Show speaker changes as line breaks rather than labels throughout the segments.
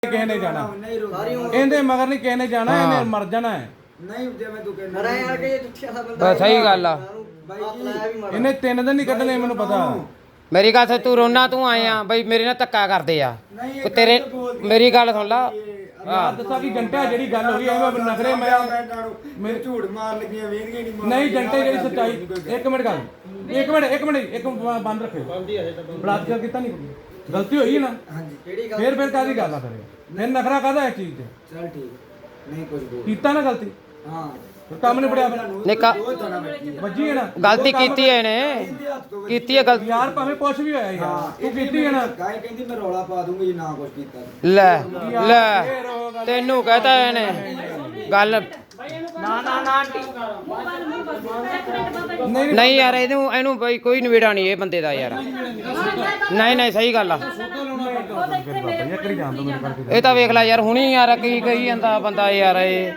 ਕਿਸੇ ਨੇ ਜਾਣਾ ਇਹਦੇ ਮਗਰ ਨਹੀਂ ਕਿਸੇ ਨੇ ਜਾਣਾ ਇਹਨੇ ਮਰ ਜਾਣਾ ਹੈ
ਨਹੀਂ ਜਿਵੇਂ ਤੂੰ ਕਹਿੰਦਾ
ਮਰਾਂ ਯਾਰ ਕਿ ਦੁੱਖਿਆ ਦਾ ਬੰਦਾ
ਸਹੀ ਗੱਲ ਆ
ਇਹਨੇ 3 ਦਿਨ ਨਹੀਂ ਕੱਢਣੇ ਮੈਨੂੰ ਪਤਾ
ਮੇਰੀ ਗੱਲ ਤੂੰ ਰੋਣਾ ਤੂੰ ਆਇਆ ਬਈ ਮੇਰੇ ਨਾਲ ਧੱਕਾ ਕਰਦੇ ਆ ਤੇਰੇ ਮੇਰੀ ਗੱਲ ਸੁਣ ਲਾ
ਯਾਰ ਦੱਸਾਂ ਕਿ ਜੰਟਾ ਜਿਹੜੀ ਗੱਲ ਹੋਈ ਐਵੇਂ ਨਖਰੇ
ਮੈਂ ਝੂਠ ਮਾਰ ਲੱਗੀਆਂ ਵੇਰੀਆਂ
ਨਹੀਂ ਜੰਟੇ ਜਿਹੜੀ ਸੱਚਾਈ ਇੱਕ ਮਿੰਟ ਗੱਲ ਇੱਕ ਬੰਦ ਰੱਖਿਓ ਬਲਾਤਕਾਰ ਕੀਤਾ ਨਹੀਂ ਗਲਤੀ ਹੋਈ ਹੈ ਨਾ
ਹਾਂਜੀ
ਫਿਰ ਕਾਦੀ ਗੱਲ ਆ ਕਰੇ ਫਿਰ ਨਖਰਾ ਕਾਦਾ ਇਸ ਚੀਜ਼ ਤੇ
ਚਲ ਠੀਕ ਨਹੀਂ ਕੁਝ ਬੋਲ
ਕੀਤਾ ਨਾ ਗਲਤੀ
ਹਾਂ
ਕੰਮ ਨਹੀਂ ਪੜਿਆ
ਨਿਕਾ
ਵੱਜੀ ਹੈ ਨਾ
ਗਲਤੀ ਕੀਤੀ ਹੈ ਇਹਨੇ ਕੀਤੀ ਹੈ ਗਲਤੀ
ਯਾਰ ਭਾਵੇਂ ਕੁਛ ਵੀ ਹੋਇਆ ਯਾਰ ਤੂੰ ਕੀਤੀ ਹੈ ਨਾ
ਗਾਇ ਕਹਿੰਦੀ ਮੈਂ ਰੌਲਾ ਪਾ ਦੂੰਗੀ ਜੇ ਨਾ ਕੁਝ ਕੀਤਾ
ਲੈ ਤੈਨੂੰ ਕਹਤਾ ਇਹਨੇ ਗੱਲ ਨਹੀਂ ਯਾਰ ਇਹਨੂੰ ਬਈ ਕੋਈ ਨਵੇੜਾ ਨਹੀਂ ਇਹ ਬੰਦੇ ਦਾ ਯਾਰ ਨਹੀਂ ਸਹੀ ਗੱਲ ਆ ਇਹ ਤਾਂ ਵੇਖ ਲੈ ਯਾਰ ਹੁਣੀ ਯਾਰ ਕੀ ਕਹੀ ਜਾਂਦਾ ਬੰਦਾ ਯਾਰ ਇਹ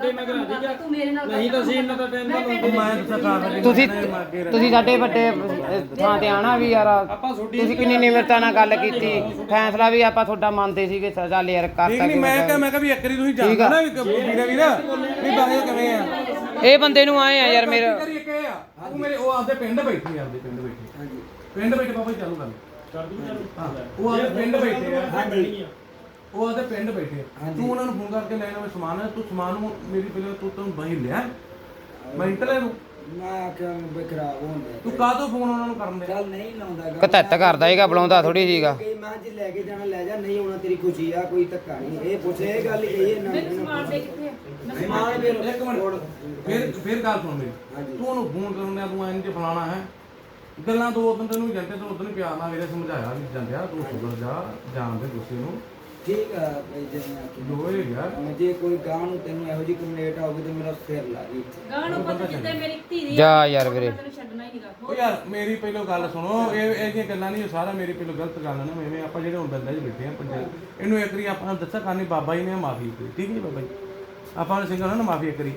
ਤੁਸੀਂ ਸਾਡੇ ਵੱਡੇ ਥਾਂ ਤੇ ਆਣਾ ਵੀ ਯਾਰ ਤੁਸੀਂ ਕਿੰਨੀ ਨਿਮਰਤਾ ਨਾਲ ਗੱਲ ਕੀਤੀ ਫੈਸਲਾ ਵੀ ਆਪਾਂ ਤੁਹਾਡਾ ਮੰਨਦੇ ਸੀਗੇ ਚੱਲ ਯਾਰ ਕਰਤਾ
ਮੈਂ ਕਿਹਾ ਵੀ ਇੱਕ ਵਾਰੀ ਤੁਸੀਂ ਜਾਣਦੇ ਨਾ ਵੀ ਬਾਹਰ ਕਿਵੇਂ ਆ
ਇਹ ਬੰਦੇ ਨੂੰ ਆਏ ਆ ਯਾਰ ਮੇਰਾ
ਤੂੰ ਮੇਰੇ ਉਹ ਆਪਦੇ ਪਿੰਡ ਬੈਠੀ ਆਪਦੇ ਪਿੰਡ ਬੈਠੀ ਹਾਂਜੀ ਪਿੰਡ ਬੈਠੇ ਬਾਬਾ ਚਾਲੂ ਕਰ ਉਹ ਆਪਦੇ ਪਿੰਡ ਬੈਠੇ ਆ ਹਾਂਜੀ ਉਹ ਆਪਦੇ ਪਿੰਡ ਬੈਠੇ ਤੂੰ ਉਹਨਾਂ ਨੂੰ ਫੋਨ ਕਰਕੇ ਲੈਣਾ ਮੈਂ ਸਮਾਨ ਤੂੰ ਸਮਾਨ ਨੂੰ ਮੇਰੀ ਪਹਿਲਾਂ ਤੂੰ ਬਾਹੀ ਲਿਆ ਮੈਂ ਇੰਟਰਨੈਟ ਨੂੰ
ਮੈਂ ਕਿਹਾ ਬਈ ਖਰਾਬ ਹੁੰਦਾ
ਤੂੰ ਕਾਹਤੋਂ ਫੋਨ ਉਹਨਾਂ ਨੂੰ ਕਰਨ ਦੇ
ਚੱਲ ਨਹੀਂ ਲਾਉਂਦਾ
ਕਤੱਤ ਕਰਦਾ ਹੈਗਾ ਬੁਲਾਉਂਦਾ ਥੋੜੀ ਸੀਗਾ
ਮੈਂ ਜੇ ਲੈ ਕੇ ਜਾਣਾ ਲੈ ਜਾ ਨਹੀਂ ਹੋਣਾ ਤੇਰੀ ਖੁਸ਼ੀ ਆ ਕੋਈ ਧੱਕਾ ਨਹੀਂ ਇਹ ਪੁੱਛੇ ਇਹ ਗੱਲ ਕਹੀ ਨਾ ਸਮਾਨ ਦੇ ਕਿੱਥੇ ਸਮਾਨ ਫਿਰ
ਇੱਕ ਮਿੰਟ ਫਿਰ ਗੱਲ ਸੁਣ ਮੇਰੀ ਤੂੰ ਉਹਨੂੰ ਫੋਨ ਕਰਨਾ ਤੂੰ ਇੰਜ ਫਲਾਣਾ ਹੈ ਗੱਲਾਂ ਦੋ ਦਿਨ ਤੈਨੂੰ ਜੰਟੇ ਤੋਂ ਉਦੋਂ ਪਿਆਰ ਨਾਲ ਮੇਰੇ ਸਮਝਾਇਆ ਵੀ ਜਾਂਦਿਆ ਤੂੰ ਸੁਧਰ ਜਾ ਜਾਣ ਦੇ ਗੁੱਸੇ ਨੂੰ
ਠੀਕ ਆ ਬਈ ਜਿਵੇਂ ਕਿ
ਦੋਏ ਯਾਰ
ਜੇ ਕੋਈ ਗਾਂ ਨੂੰ ਤੈਨੂੰ ਇਹੋ ਜਿਹੀ ਕੰਪਲੇਂਟ ਆਉਗੀ ਤੇ ਮੇਰਾ ਸਿਰ ਲਾ ਗਈ
ਗਾਂ ਨੂੰ ਪਤਾ ਜਿੱਤੇ ਮੇਰੀ ਧੀ ਦੀ
ਜਾ ਯਾਰ ਵੀਰੇ
ਤੈਨੂੰ ਛੱਡਣਾ ਹੀ ਨਹੀਂਗਾ
ਉਹ ਯਾਰ ਮੇਰੀ ਪਹਿਲੋਂ ਗੱਲ ਸੁਣੋ ਇਹ ਜਿਹੀਆਂ ਗੱਲਾਂ ਨਹੀਂ ਸਾਰਾ ਮੇਰੀ ਪਹਿਲੋਂ ਗਲਤ ਗੱਲ ਨਾ ਐਵੇਂ ਆਪਾਂ ਜਿਹੜੇ ਹੁਣ ਬੰਦੇ 'ਚ ਬੈਠੇ ਆ ਪੰਚਾਇਤ ਇਹਨੂੰ ਇੱਕ ਵਾਰੀ ਆਪਾਂ ਨੂੰ ਦੱਸਿਆ ਕਰਨੀ ਬਾਬਾ ਜੀ ਨੇ ਮਾਫੀ ਕੀਤੀ ਠੀਕ ਹੈ ਬਾਬਾ ਜੀ ਆਪਾਂ ਨੂੰ ਸਿੰਘਾਂ ਨੂੰ ਮਾਫੀ ਕਰੀ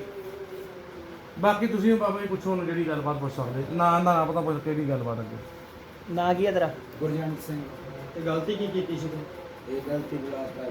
ਬਾਕੀ ਤੁਸੀਂ ਬਾਬਾ ਜੀ ਪੁੱਛੋ ਉਹਨੂੰ ਜਿਹੜੀ ਗੱਲਬਾਤ ਪੁੱਛ ਸਕਦੇ ਨਾ ਪਤਾ ਪੁੱਛ ਕਿਹੜੀ ਗੱਲਬਾਤ ਅੱਗੇ
ਨਾ ਕੀ ਹੈ ਤੇਰਾ
ਗੁਰਜੰਟ ਸਿੰਘ
ਤੇ ਗਲਤੀ ਕੀ ਕੀਤੀ ਸੀ ਤੂੰ
ਇਹ ਗਲਤੀ ਬਲਾਸ ਕਰ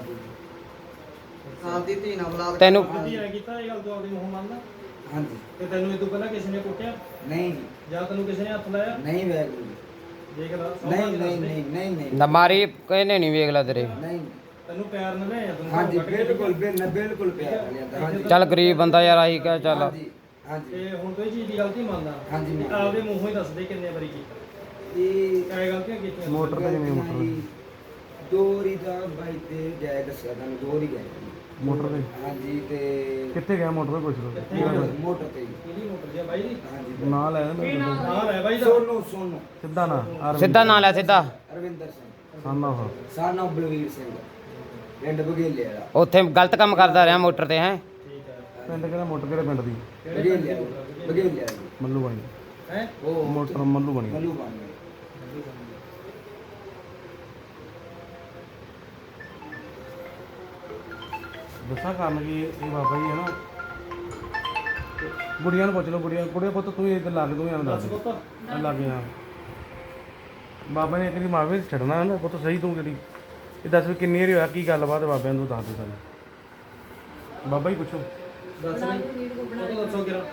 ਦਿੱਤੀ
ਆਪਦੀ ਧੀ ਨਾਲ ਬਲਾਦ
ਤੈਨੂੰ
ਕੀਤਾ ਇਹ ਗੱਲ ਤੂੰ ਆਪਦੀ ਮੂੰਹ ਮੰਨਦਾ
ਹਾਂਜੀ
ਤੇ ਤੈਨੂੰ ਇਹ ਤੋਂ ਪਹਿਲਾਂ ਕਿਸੇ ਨੇ ਕੁੱਟਿਆ
ਨਹੀਂ ਜੀ
ਜਾਂ ਤੈਨੂੰ ਕਿਸੇ ਨੇ ਹੱਥ ਲਾਇਆ
ਨਹੀਂ ਵੈਗਰੂ
ਦੇਖ ਲੈ
ਨਹੀਂ
ਨਾ ਮਾਰੀ ਕਹਿੰਦੇ ਨਹੀਂ ਵੇਖ ਲੈ ਤੇਰੇ
ਨਹੀਂ
ਤੈਨੂੰ ਪਿਆਰ ਨਾਲ ਲਿਆ ਤੈਨੂੰ
ਹਾਂਜੀ ਬਿਲਕੁਲ ਪਿਆਰ ਲਿਆ ਹਾਂਜੀ
ਚੱਲ ਗਰੀਬ ਬੰਦਾ ਯਾਰ ਆਹੀ ਕਹ ਚੱਲ
ਹਾਂਜੀ
ਤੇ ਹੁਣ ਕੋਈ ਚੀਜ਼ ਦੀ ਗਲਤੀ ਮੰਨਦਾ
ਹਾਂਜੀ
ਤੇ ਆਪਦੇ ਮੂੰਹੋਂ ਹੀ ਦੱਸ ਦੇ ਕਿੰਨੇ ਵਾਰੀ ਕੀਤਾ
ਇਹ
ਕਿਹੜੇ ਗਲਤੀਆਂ ਕੀਤੀਆਂ
ਮੋਟਰ ਤੇ ਜਿਵੇਂ ਮੋਟਰ
ਦੋਰੀ ਦਾ ਬਾਈ ਤੇ ਜਾਇ ਦੱਸਿਆ ਤੁਹਾਨੂੰ ਦੋਰੀ ਗਏ
ਮੋਟਰ ਤੇ
ਹਾਂਜੀ ਤੇ
ਕਿੱਥੇ ਗਿਆ ਮੋਟਰ ਤੇ ਪੁੱਛ ਲਓ
ਮੋਟਰ ਤੇ
ਕਿਹਦੀ ਮੋਟਰ ਦੀ ਬਾਈ ਦੀ
ਹਾਂਜੀ
ਨਾ ਲੈ ਮੇਰੇ
ਹਾਂ ਲੈ ਬਾਈ ਦਾ
ਸੋਨੂ
ਸਿੱਧਾ ਨਾ
ਸਿੱਧਾ ਨਾਂ ਲੈ ਸਿੱਧਾ
ਅਰਵਿੰਦਰ ਸਿੰਘ
ਸਾਨਾ
ਸਾਨਾ ਬਲਵੀਰ ਸਿੰਘ ਪਿੰਡ ਬਗੇਲੇ ਵਾਲਾ
ਉੱਥੇ ਗਲਤ ਕੰਮ ਕਰਦਾ ਰਿਹਾ ਮੋਟਰ ਤੇ ਹੈ
ਪਿੰਡ ਕਿਹੜਾ ਮੋਟਰ ਕਿਹੜੇ ਪਿੰਡ ਦੀ
ਬਗੇਲੇ ਵਾਲਾ
ਮੱਲੂ ਬਣੀ
ਹੈ
ਉਹ
ਮੋਟਰ ਮੱਲੂ ਬਣੀ
ਮੱਲੂ ਬਣ ਗਿਆ
ਦੱਸਾਂ ਕਰਨ ਕੀ ਇਹ ਬਾਬਾ ਜੀ ਹੈ ਨਾ ਗੁੜੀਆਂ ਨੂੰ ਪੁੱਛ ਲਓ ਗੁੜੀਆ ਪੁੱਤ ਤੂੰ ਇਹ ਲੱਗ ਤੂੰ ਐਵੇਂ ਦੱਸ ਲੱਗ ਗਿਆ ਬਾਬਾ ਨੇ ਕਿਹੜੀ ਮਾਵੇ ਛੱਡਣਾ ਨਾ ਪੁੱਤ ਸਹੀ ਤੂੰ ਕਿਹੜੀ ਇਹ ਦੱਸ ਵੀ ਕਿੰਨੀ ਵਾਰੀ ਹੋਇਆ ਕੀ ਗੱਲਬਾਤ ਬਾਬਿਆਂ ਨੂੰ ਦੱਸ ਦੇ ਸਾਨੂੰ ਬਾਬਾ ਹੀ ਪੁੱਛੋ
ਦੱਸ ਬਈ ਉਹ ਦੱਸੋ ਕਿਰਾ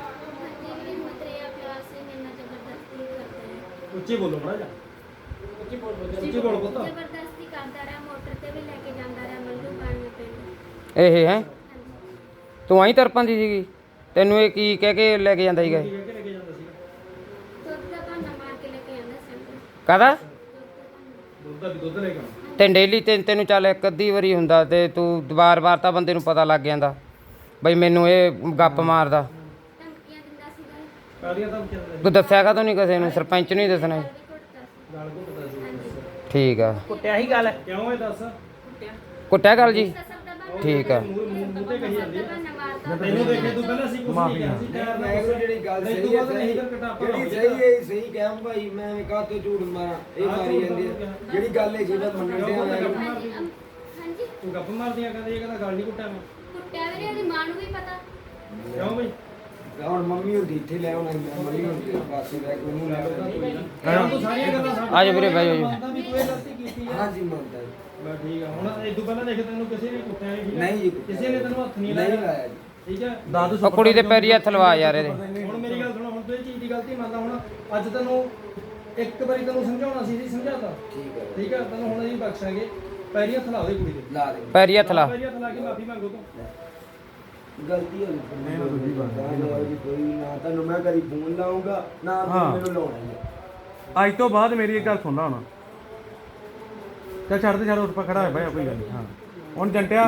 ਉੱਚੀ ਬੋਲੋ ਬੜਾ ਜਾ ਉੱਚੀ ਬੋਲ ਪੁੱਤ
ਜ਼ਬਰਦਸਤੀ ਕਰਦਾ ਰਿਹਾ ਮੋਟਰ ਤੇ ਵੀ ਲੈ ਕੇ ਜਾਂਦਾ ਰਿਹਾ ਮੱਲੂ ਪਾਣੀ ਪਿੰਡ
ਇਹ ਹੈ ਤੂੰ ਆਈ ਤਰਪਾਂਦੀ ਸੀਗੀ ਤੈਨੂੰ ਇਹ ਕੀ ਕਹਿ ਕੇ ਲੈ ਕੇ ਜਾਂਦਾ ਸੀਗਾ
ਕੀ ਕਹਿ ਕੇ ਲੈ ਕੇ ਜਾਂਦਾ ਸੀਗਾ
ਦੁੱਧ ਦਾ ਭਾਂਡਾ ਮਾਰ ਕੇ ਲੈ ਕੇ ਜਾਂਦਾ ਸੀ
ਕਾਹਦਾ
ਦੁੱਧ ਦਾ ਵੀ ਦੁੱਧ ਲੈ ਕੇ ਆਉਣਾ
ਤੇ ਡੇਲੀ ਤੈਨੂੰ ਚੱਲ ਇੱਕ ਅੱਧੀ ਵਾਰੀ ਹੁੰਦਾ ਤੇ ਤੂੰ ਵਾਰ-ਵਾਰ ਤਾਂ ਬੰਦੇ ਨੂੰ ਪਤਾ ਲੱਗ ਜਾਂਦਾ ਬਈ ਮੈਨੂੰ ਇਹ ਗੱਪ ਮਾਰਦਾ
ਧਮਕੀਆਂ ਦਿੰਦਾ ਸੀਗਾ
ਕਾਲੀਆਂ ਤਾਂ ਕਿਹਾ
ਤੂੰ ਦੱਸਿਆ ਕਾ ਨਹੀਂ ਕਿਸੇ ਨੂੰ ਸਰਪੰਚ ਨੂੰ ਹੀ ਦੱਸਣਾ
ਵੀ ਘੁੱਟਦਾ ਸੀ
ਗਾਲ ਘੁੱਟਦਾ ਸੀ
ਠੀਕ ਆ
ਕੁੱਟਿਆ ਹੀ ਗੱਲ ਕਿਉਂ ਇਹ ਦੱਸ
ਕੁੱਟਿਆ ਗੱਲ ਜੀ
ਸਭ ਦਾ ਭਾਂਡਾ
ਠੀਕ ਆ
ਮੂੰਹ ਤੇ ਕਹੀ ਜਾਂਦੀ
ਭਾਂਡਾ ਮਾਰਦਾ
ਤੈਨੂੰ ਦੇਖੇ ਤੂੰ ਪਹਿਲਾਂ ਸੀ ਕੁਝ ਨਹੀਂ ਕਿਹਾ ਸੀ ਟਾਇਰ
ਮੈਂ ਕਿਹਾ ਜਿਹੜੀ ਗੱਲ ਸਹੀ ਹੈ ਜਿਹੜੀ ਸਹੀ ਹੈ ਸਹੀ ਕਹਿਮ ਭਾਈ ਮੈਂ ਕਾਹ ਤੋਂ ਝੂਠ ਮਾਰਾਂ ਇਹ ਮਾਰੀ ਜਾਂਦੀ ਹੈ ਜਿਹੜੀ ਗੱਲ ਹੈ ਜਿਹਦਾ ਮੰਨਣ ਦੇ
ਹਾਂਜੀ
ਤੂੰ ਗੱਪ ਮਾਰਦੀਆਂ ਕਹਿੰਦੇ ਇਹ ਕਹਿੰਦਾ ਗੱਲ ਨਹੀਂ ਕੁੱਟਿਆ ਮੈਂ
ਕੁੱਟਿਆ ਵੀਰੇ ਉਹਦੀ ਮਾਂ ਨੂੰ ਵੀ ਪਤਾ
ਕਿਉਂ ਬਈ
ਹੁਣ ਮੰਮੀ ਹੁੰਦੀ ਇੱਥੇ ਲੈ ਆਉਣਾ ਮੰਮੀ ਹੁੰਦੀ ਪਾਸੇ ਲੈ ਕੇ ਉਹਨੂੰ ਲੈ
ਤੂੰ ਸਾਰੀਆਂ ਗੱਲਾਂ
ਆ ਜਾ ਵੀਰੇ ਬਹਿ ਜਾ ਜੀ
ਮੰਨਦਾ ਵੀ ਤੂੰ ਇਹ ਗਲਤੀ ਕੀਤੀ ਹੈ
ਹਾਂਜੀ ਮੰਨਦਾ ਜੀ
ਬਸ ਠੀਕ ਆ ਹੁਣ ਇਹ ਤੋਂ ਪਹਿਲਾਂ ਦੇਖ ਤੈਨੂੰ ਕਿਸੇ ਨੇ ਕੁੱਟਿਆ ਨਹੀਂ ਠੀਕ ਆ
ਨਹੀਂ ਜੀ
ਕਿਸੇ ਨੇ ਤੈਨੂੰ ਹੱਥ ਨਹੀਂ
ਨਹੀਂ
ਲਾਇਆ
ਲਾਇਆ ਜੀ
ਠੀਕ ਆ
ਦਾਦੂ
ਉਹ ਕੁੜੀ ਦੇ ਪੈਰੀ ਹੱਥ ਲਵਾ ਯਾਰ ਇਹਦੇ
ਹੁਣ ਮੇਰੀ ਗੱਲ ਸੁਣੋ ਹੁਣ ਤੂੰ ਇਹ ਚੀਜ਼ ਦੀ ਗਲਤੀ ਮੰਨਦਾ ਹੁਣ ਅੱਜ ਤੈਨੂੰ ਇੱਕ ਵਾਰੀ ਤੈਨੂੰ ਸਮਝਾਉਣਾ ਸੀ ਜੀ ਸਮਝਾਤਾ
ਠੀਕ ਹੈ
ਠੀਕ ਆ ਤੈਨੂੰ ਹੁਣ ਅਸੀਂ ਬਖਸ਼ਾਂਗੇ ਪੈਰੀ ਹੱਥ ਲਾ ਦੇ ਕੁੜੀ ਦੇ
ਲਾ ਦੇ
ਪੈਰੀ ਹੱਥ ਲਾ
ਪੈਰੀ ਹੱਥ ਲਾ ਕੇ ਮਾਫੀ ਮੰਗੋ ਤੂੰ
ਗਲਤੀ ਹੋ ਗਈ
ਨਹੀਂ, ਨਾ ਦੂਜੀ ਵਾਰ।
ਜੀ ਕੋਈ ਨਾ ਤੁਹਾਨੂੰ ਮੈਂ ਕਦੀ ਫੋਨ ਲਾਉਂਗਾ ਨਾ
ਹਾਂ।
ਤੁਸੀਂ ਮੈਨੂੰ ਲਾਉਣਾ ਹੀ ਹੈ
ਅੱਜ ਤੋਂ ਬਾਅਦ ਮੇਰੀ ਇੱਕ ਗੱਲ ਸੁਣ ਲਾ ਹੁਣ ਚੱਲ ਛੱਡ ਦੇ ਛੱਡ ਉੱਠ ਪਾ ਖੜਾ ਹੈ ਭਾਈ ਕੋਈ ਗੱਲ ਨਹੀਂ ਹਾਂ ਹੁਣ ਜੰਟਿਆ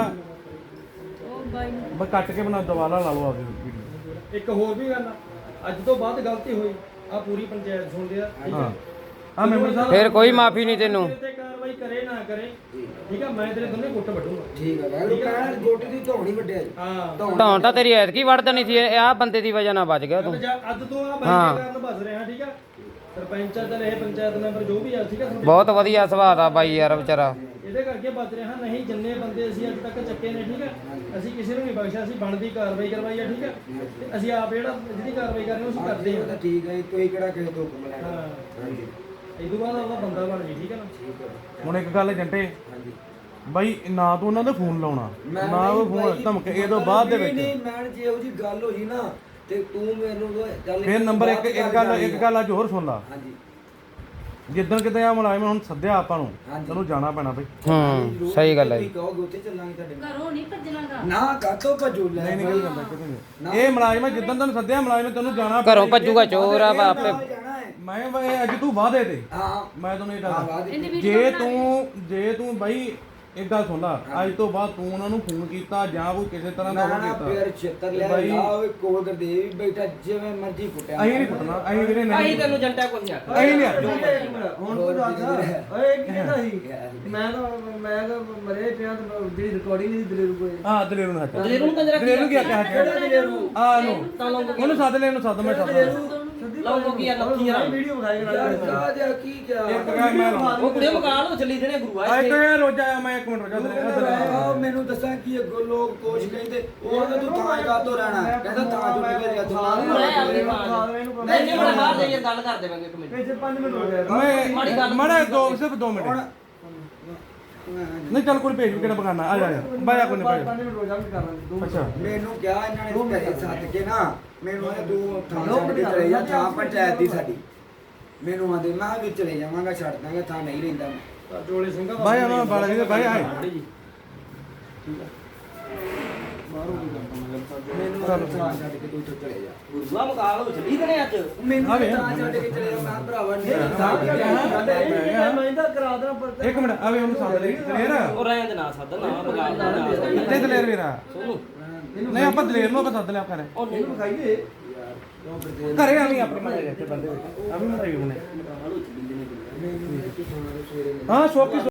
ਉਹ ਬਾਈ ਨੂੰ
ਬਸ ਕੱਟ ਕੇ ਬਣਾ ਦੁਬਾਰਾ ਲਾ ਲਓ ਆਪਦੀ ਵੀਡੀਓ
ਇੱਕ ਹੋਰ ਵੀ ਗੱਲ ਆ ਅੱਜ ਤੋਂ ਬਾਅਦ ਗਲਤੀ ਹੋਈ ਆ ਪੂਰੀ ਪੰਚਾਇਤ ਸੁਣਦੇ ਆ ਠੀਕ
ਹਾਂ
ਆ
ਆ ਮੈਂਬਰ ਸਾਹਿਬ
ਫਿਰ ਕੋਈ ਮਾਫੀ ਨਹੀਂ ਤੈਨੂੰ
ਤੇਰੇ ਤੇ ਕਾਰਵਾਈ ਕਰੇ ਨਾ ਕਰੇ ਠੀਕ ਆ ਮੈਂ ਤੇਰੇ ਦੋਨੇ ਗੁੱਟ ਵੱਢੂੰਗਾ
ਠੀਕ ਹੈ ਵੈਰੂ ਕਹਿਣ ਗੋਟੀ ਦੀ ਧੌਣੀ ਵੱਡਿਆ ਜੀ
ਹਾਂ
ਧੌਣ ਤਾਂ ਤੇਰੀ ਐਤਕੀ ਵੜ ਦੇਣੀ ਸੀ ਆਹ ਬੰਦੇ ਦੀ ਵਜ੍ਹਾ ਨਾਲ ਬਚ ਗਿਆ ਤੂੰ
ਅੱਜ ਤੋਂ ਆ ਬਾਈ
ਹਾਂ।
ਦੇ ਕਾਰਨ ਬਸ ਰਿਹਾ ਠੀਕ ਆ ਸਰਪੰਚਾਂ ਤੇ ਇਹ ਪੰਚਾਇਤ ਮੈਂਬਰ ਜੋ ਵੀ ਆ ਠੀਕ ਆ
ਬਹੁਤ ਵਧੀਆ ਸੁਭਾਅ ਦਾ ਬਾਈ ਯਾਰ ਵਿਚਾਰਾ
ਇਹਦੇ ਕਰਕੇ ਬਚ ਰਿਹਾ ਨਹੀਂ ਜਿੰਨੇ ਬੰਦੇ ਅਸੀਂ ਅੱਜ ਤੱਕ ਚੱਕੇ ਨੇ ਠੀਕ ਆ ਅਸੀਂ ਕਿਸੇ ਨੂੰ ਨਹੀਂ ਬਖਸ਼ਿਆ ਅਸੀਂ ਬਣਦੀ ਕਾਰਵਾਈ ਕਰਵਾਈ ਆ ਠੀਕ ਆ ਤੇ ਅਸੀਂ ਆਪ ਜਿਹੜਾ ਜਿਹਦੀ ਕਾਰਵਾਈ ਕਰਨੀ ਉਹ ਅਸੀਂ ਕਰਦੇ
ਉਹ ਤਾਂ
ਹਾਂ
ਠੀਕ ਹੈ ਜੀ, ਤੁਸੀਂ ਕਿਹੜਾ ਕਿਸੇ ਤੋਂ ਹੁਕਮ ਲੈਣਾ
ਹਾਂ
ਹਾਂਜੀ
ਇਹ ਤੋਂ ਬਾਅਦ ਉਹਦਾ ਬੰਦਾ ਬਣ ਜੀ ਠੀਕ ਹੈ ਨਾ
ਠੀਕ ਹੈ
ਹੁਣ ਇੱਕ ਗੱਲ ਜੰਟੇ
ਹਾਂਜੀ
ਬਾਈ ਨਾ ਤੂੰ ਉਹਨਾਂ ਦਾ ਫੋਨ ਲਾਉਣਾ
ਮੈਂ
ਨਾ ਉਹ
ਨਹੀਂ
ਫੋਨ
ਬਾਈ,
ਧਮਕੇ ਇਹ ਤੋਂ ਬਾਅਦ ਦੇ
ਨਹੀਂ,
ਵਿੱਚ
ਨਹੀਂ ਮੈਂ ਜੇ ਉਹੋ ਜੀ ਗੱਲ ਹੋਈ ਨਾ ਤੇ ਤੂੰ ਮੈਨੂੰ ਚੱਲ
ਫਿਰ ਨੰਬਰ ਇੱਕ ਗੱਲ ਅੱਜ ਹੋਰ ਸੁਣ ਲਾ
ਹਾਂਜੀ
ਜਿੱਦਣ ਕਿਤੇ ਆ ਮੁਲਾਜ਼ਮ ਹੁਣ ਸੱਦਿਆ ਆਪਾਂ ਨੂੰ
ਹਾਂਜੀ।
ਤੈਨੂੰ ਜਾਣਾ ਪੈਣਾ ਬਈ
ਹੂੰ ਸਹੀ ਗੱਲ ਹੈ
ਤੁਸੀਂ ਕਹੋਗੇ ਉੱਥੇ ਚੱਲਾਂਗੇ ਤੁਹਾਡੇ ਨਾਲ।
ਘਰੋਂ ਨਹੀਂ ਭੱਜਣਾਗਾ
ਨਾ ਕਾਤੋਂ ਭਜੂ ਲੈ
ਨਹੀਂ ਨਿਕਲ ਜਾਂਦਾ ਕਿਤੇ ਨਹੀਂ ਇਹ ਮੁਲਾਜ਼ਮ ਜਿੱਦਣ ਤੈਨੂੰ ਸੱਦਿਆ ਮੁਲਾਜ਼ਮ ਤੈਨੂੰ ਜਾਣਾ
ਘਰੋਂ ਭੱਜੂਗਾ ਚੋਰ ਆ ਬਾਪੇ
ਨਾਲ ਜਾਣਾ ਹੈ
ਮੈਂ ਬਈ ਅੱਜ ਤੂੰ ਵਾਅਦੇ ਤੇ
ਹਾਂ
ਮੈਂ ਤੈਨੂੰ ਇਹ
ਹਾਂ
ਦੱਸਦਾ
ਬਾਅਦ ਵਿੱਚ।
ਜੇ ਤੂੰ ਬਾਈ ਇੱਕ ਗੱਲ ਸੁਣ ਲਾ ਅੱਜ ਤੋਂ ਬਾਅਦ ਤੂੰ ਉਹਨਾਂ ਨੂੰ ਫੋਨ ਕੀਤਾ ਜਾਂ ਕੋਈ ਕਿਸੇ ਤਰ੍ਹਾਂ ਦਾ
ਨਾ
ਉਹ
ਨਾ
ਕੀਤਾ
ਫਿਰ ਛੇਤਰ ਲਿਆ
ਬਾਈ-
ਲਾ ਓਏ ਕੋਲ ਕਰ ਦੇ ਵੀ ਬੈਠਾ ਜਿਵੇਂ ਮਰਜ਼ੀ ਫੁੱਟਿਆ
ਅਸੀਂ ਨਹੀਂ ਕੁੱਟਣਾ ਅਸੀਂ ਵੀਰੇ ਨਹੀਂ
ਤੈਨੂੰ ਜੰਟਾ ਕੁਝ ਨਹੀਂ
ਅਸੀਂ ਨਹੀਂ ਆਖਣਾ।
ਹੁਣ ਤੂੰ ਦੱਸ ਓਏ ਕੀ ਕਹਿੰਦਾ ਸੀ
ਮੈਂ ਤਾਂ ਮਰੇ ਪਿਆ ਤੇ ਜਿਹੜੀ ਰਿਕਾਰਡਿੰਗ ਦੀ ਦਲੇਰੂ ਕੋਲ
ਹਾਂ ਦਲੇਰੂ ਨੂੰ ਹੱਥ
ਦਲੇਰੂ ਨੂੰ ਕੰਜਰਾ
ਦਲੇਰੂ ਕੀ ਆਖਿਆ
ਕਿਹੜਾ ਦਲੇਰੂ
ਆ ਨੂੰ ਉਹਨੂੰ ਸੱਦ ਲੈ ਇਹਨੂੰ ਸੱਦ ਮੈਂ ਸੱਦ
ਲਾਉਂਗੋ ਕੀ ਆ ਲੱਕੀ ਯਾਰ
ਵੀਡੀਓ ਬਣਾਈ
ਯਾਰ ਕਾ ਜਾ ਕੀ ਕਿਹਾ
ਇੱਕ ਗੱਲ ਮੈਂ ਲਾਉਣਾ।
ਉਹ ਕੁੜੇ ਮਕਾਨ ਨੂੰ ਚੱਲੀ ਦੇਣੇ ਗੁਰੂ
ਆ ਇੱਕ ਇਹ ਰੋਜ਼ ਆਇਆ ਮੈਂ ਇੱਕ ਮਿੰਟ ਰੁਕ ਜਾ
ਆਹ ਮੈਨੂੰ ਦੱਸਾਂ ਕੀ ਅੱਗੋਂ ਲੋਕ ਕੋਚ ਕਹਿੰਦੇ ਉਹ ਤਾਂ ਤੂੰ ਥਾਂ ਕਾ ਤੋਂ ਰਹਿਣਾ ਕਹਿੰਦਾ ਥਾਂ ਜੋ ਨਿਕਲ ਗਿਆ ਤੂੰ
ਨਹੀਂ ਬੜਾ ਬਾਹਰ ਜਾਈਏ ਗੱਲ ਕਰ ਦੇਵਾਂਗੇ ਇੱਕ ਮਿੰਟ
ਪਿੱਛੇ 5 ਮਿੰਟ ਹੋ ਗਏ
ਮੈਂ ਮੜਾ ਸਿਰਫ 2 ਮਿੰਟ ਨਹੀਂ ਚੱਲ ਕੋਈ ਭੇਜ ਵੀ ਕਿਹੜਾ ਬਗਾਨਾ ਆ ਜਾ ਬਾਇਆ ਕੋਈ ਨਹੀਂ
5 ਮਿੰਟ ਹੋ ਜਾਣਗੇ ਕਰ ਲਾਂਗੇ
ਅੱਛਾ
ਮੈਨੂੰ ਕਿਹਾ ਇਹਨਾਂ ਨੇ ਘਰੇ ਸੱਦ ਕੇ ਨਾ ਮੈਨੂੰ ਇਹ ਤੂੰ ਥਾਂ ਛੱਡ ਕੇ ਚਲੇ ਜਾ ਥਾਂ ਪੰਚਾਇਤ ਦੀ ਸਾਡੀ ਮੈਨੂੰ ਆਂਦੇ ਮੈਂ ਵੀ ਚਲੇ ਜਾਵਾਂਗਾ ਛੱਡ ਦਾਂਗਾ ਥਾਂ ਨਹੀਂ ਰਹਿੰਦਾ ਮੈਂ
ਜੋਲੇ ਸਿੰਘਾ
ਬਾਇਆ ਨਾ ਬਾਲਾ ਜੀ ਬਾਇਆ ਆਏ
ਮੈਨੂੰ ਥਾਂ ਛੱਡ ਕੇ ਤੂੰ ਇੱਥੋਂ ਚਲੇ ਜਾ
ਗੁਰੂਆ ਮਕਾਨ ਨੂੰ ਚੱਲੀ ਦੇਣੇ ਅੱਜ
ਮੈਨੂੰ ਤਾਂ ਥਾਂ ਛੱਡ ਕੇ ਚਲੇ ਜਾ ਮੈਂ ਕਿਹਾ ਭਰਾਵਾ
ਮੈਂ ਤਾਂ ਕਰਾ ਦਾਂ ਪਰ
ਇੱਕ ਮਿੰਟ ਆਵੇ ਉਹਨੂੰ ਸੱਦ ਲੈ ਦਲੇਰ
ਉਹ ਰਹਿਣ ਦੇ ਨਾ ਸੱਦ ਨਾ ਮਕਾਨ ਦਾ ਨਾ ਸੱਦ।
ਕਿੱਥੇ ਦਲੇਰ ਵੀਰਾ
ਸੋਨੂੰ
ਨਹੀਂ ਆਪਾਂ ਦਲੇਰ ਨੂੰ ਆਪਾਂ ਸੱਦ ਲਿਆ ਕਰੇ
ਉਹ ਨਹੀਂ
ਖਾਈਏ
ਘਰੇ ਆਵੀਂ ਆਪਣੇ ਮੜੇ ਇੱਥੇ ਬੰਦੇ ਆਵੀਂ ਮੜਾਈ ਉਹਨੇ
ਮੈਨੂੰ ਇੱਥੇ ਥਾਂ ਤੋਂ ਸਵੇਰੇ
ਹਾਂ ਸ਼ੌਕੀ